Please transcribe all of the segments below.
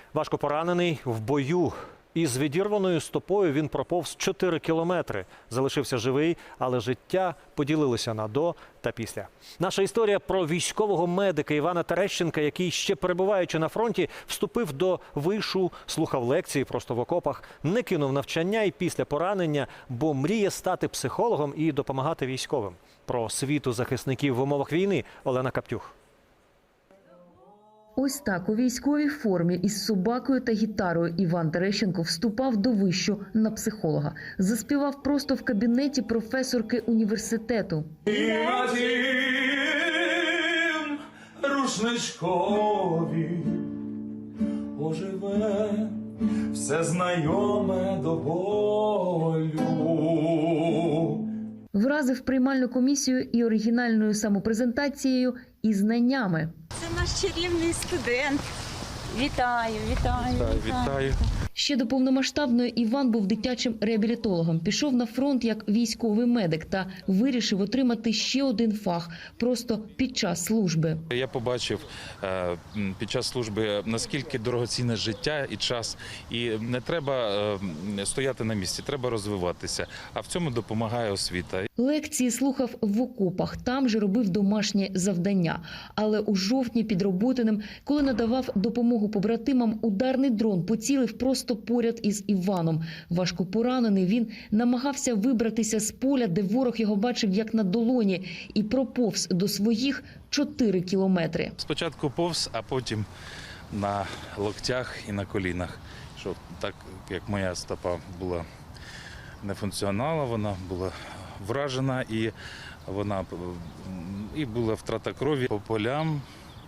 Важко поранений в бою. Із відірваною стопою він проповз 4 кілометри. Залишився живий, але життя поділилося на до та після. Наша історія про військового медика Івана Терещенка, який, ще перебуваючи на фронті, вступив до вишу, слухав лекції просто в окопах, не кинув навчання і після поранення, бо мріє стати психологом і допомагати військовим. Про світу захисників в умовах війни Олена Каптюх. Ось так у військовій формі із собакою та гітарою Іван Терещенко вступав до вишу на психолога. Заспівав просто в кабінеті професорки університету. І на тім рушничкові оживе все знайоме до болю. Вразив приймальну комісію і оригінальною самопрезентацією, і знаннями. Це наш чарівний студент. Вітаю, вітаю, Вітаю. Ще до повномасштабної Іван був дитячим реабілітологом. Пішов на фронт як військовий медик та вирішив отримати ще один фах просто під час служби. Я побачив під час служби, наскільки дорогоцінне життя і час. І не треба стояти на місці, треба розвиватися. А в цьому допомагає освіта. Лекції слухав в окопах, там же робив домашні завдання. Але у жовтні під Роботиним, коли надавав допомогу побратимам, ударний дрон поцілив просто поряд із Іваном. Важко поранений, він намагався вибратися з поля, де ворог його бачив як на долоні, і проповз до своїх 4 кілометри. Спочатку повз, а потім на локтях і на колінах. Що так, як моя стопа була не функціонала, вона була вражена і вона і була втрата крові по полям,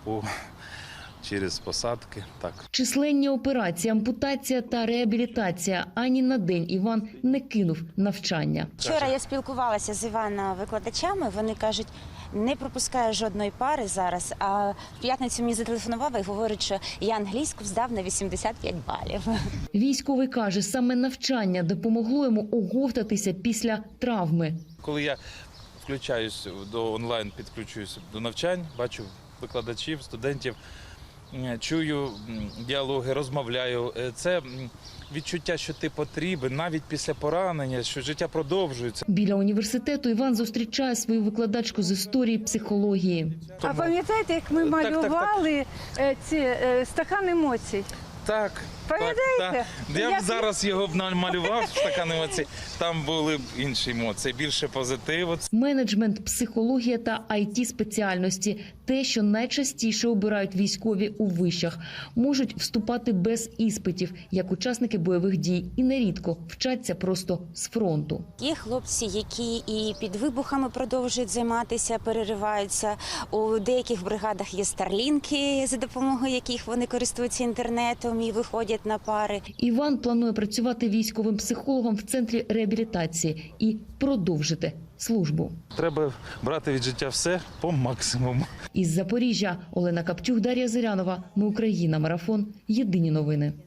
через посадки. Так. Численні операції, ампутація та реабілітація. Ані на день Іван не кинув навчання. Вчора я спілкувалася з Івана-викладачами, вони кажуть, не пропускаю жодної пари зараз, а в п'ятницю мені зателефонував і говорить, що я англійську здав на 85 балів. Військовий каже, саме навчання допомогло йому оговтатися після травми. Коли я включаюсь до онлайн, підключуюсь до навчань, бачу викладачів, студентів, чую діалоги, розмовляю. Це відчуття, що ти потрібен, навіть після поранення, що життя продовжується. Біля університету Іван зустрічає свою викладачку з історії психології. А пам'ятаєте, як ми малювали ці стакан емоцій? Так. Пам'ятаєте? Я б зараз його б намалював, стакан емоцій. Там були б інші емоції, більше позитиву. Менеджмент, психологія та IT-спеціальності – те, що найчастіше обирають військові у вишах. Можуть вступати без іспитів, як учасники бойових дій, і нерідко вчаться просто з фронту. Є хлопці, які і під вибухами продовжують займатися, перериваються. У деяких бригадах є старлінки, за допомогою яких вони користуються інтернетом і виходять на пари. Іван планує працювати військовим психологом в центрі реабілітації і продовжити службу. Треба брати від життя все по максимуму. Із Запоріжжя Олена Каптюх, Дар'я Зирянова. Ми Україна. Марафон. Єдині новини.